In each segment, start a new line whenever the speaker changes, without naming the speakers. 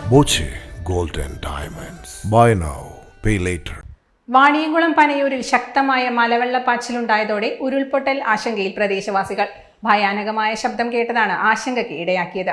Boche gold and diamonds. Buy now pay later.
Vaniyamkulam പനയൂരിൽ ശക്തമായ മലവെള്ളപ്പാച്ചിലുണ്ടായതോടെ ഉരുൾപൊട്ടൽ ആശങ്കയിൽ പ്രദേശവാസികൾ. ഭയാനകമായ ശബ്ദം കേട്ടതാണ് ആശങ്കയ്ക്ക് ഇടയാക്കിയത്.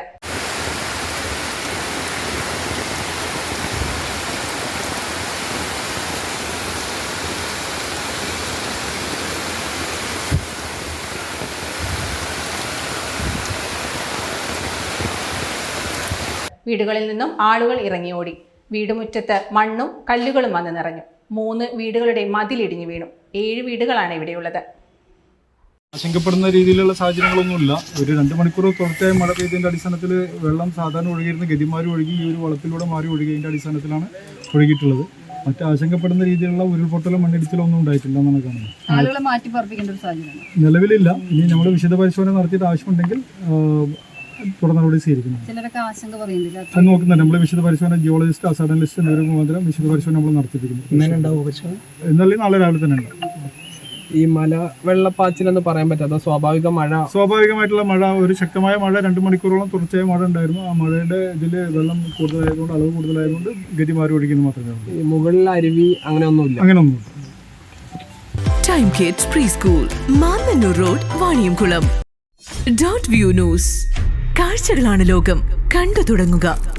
വീടുകളിൽ നിന്നും ആളുകൾ ഇറങ്ങിയോടി. വീടുമുറ്റത്ത് മണ്ണും കല്ലുകളും വന്ന് നിറഞ്ഞു. 3 വീടുകളുടെ മതിലിടിഞ്ഞു വീണു. 7 വീടുകളാണ് ഇവിടെയുള്ളത്.
ആശങ്കപ്പെടുന്ന രീതിയിലുള്ള സാഹചര്യങ്ങളൊന്നുമില്ല. ഒരു 2 മണിക്കൂർ തുടർച്ചയായി മഴ പെയ്തതിൻ്റെ അടിസ്ഥാനത്തിൽ വെള്ളം സാധാരണ ഒഴുകിയിരുന്ന ഗതിമാരി ഒഴുകി ഈ ഒരു വളത്തിലൂടെ മാറി ഒഴുകിയതിൻ്റെ അടിസ്ഥാനത്തിലാണ് ഒഴുകിയിട്ടുള്ളത്. മറ്റ് ആശങ്കപ്പെടുന്ന രീതിയിലുള്ള ഉരുൾപൊട്ടലോ മണ്ണിടിച്ചിലോ ഒന്നും ഉണ്ടായിട്ടില്ല എന്നാണ് കാണുന്നത്.
ആളുകളെ മാറ്റി പാർപ്പിക്കേണ്ട ഒരു സാഹചര്യം
നിലവിലില്ല. ഇനി നമ്മൾ വിശദ പരിശോധന നടത്തിയിട്ട് ആവശ്യമുണ്ടെങ്കിൽ തുടർ നടപടി സ്വീകരിക്കുന്നു.
ചിലരൊക്കെ ആശങ്ക പറയുന്നില്ല.
അത് നോക്കുന്നുണ്ട്. നമ്മൾ വിശദ പരിശോധന ജിയോളജിസ്റ്റ് അസാഡനലിസ്റ്റ് എന്നിവർ മുഖാന്തരം വിശദ പരിശോധന നമ്മൾ നടത്തിയിരിക്കുന്നു. എന്നാലും നാളെ രാവിലെ തന്നെ ഉണ്ടാവും.
ഈ മല വെള്ളപ്പാച്ചിലെന്ന് പറയാൻ പറ്റാത്ത
സ്വാഭാവികമായിട്ടുള്ള മഴ, ഒരു ശക്തമായ മഴ 2 മണിക്കൂറോളം തുടർച്ചയായ മഴ ഉണ്ടായിരുന്നു. ആ മഴയുടെ ഇതിൽ വെള്ളം കൂടുതലായതുകൊണ്ട്, അളവ് കൂടുതലായതുകൊണ്ട് ഗതി മാറി ഒഴിക്കുന്നു മാത്രമേ ഉള്ളൂ.
മുകളിൽ അരുവി
അങ്ങനെയൊന്നുമില്ല.
Time kids preschool, Mannannur road, Vaniyamkulam. Dot view news. കാഴ്ചകളാണ് ലോകം. കണ്ടു തുടങ്ങുക.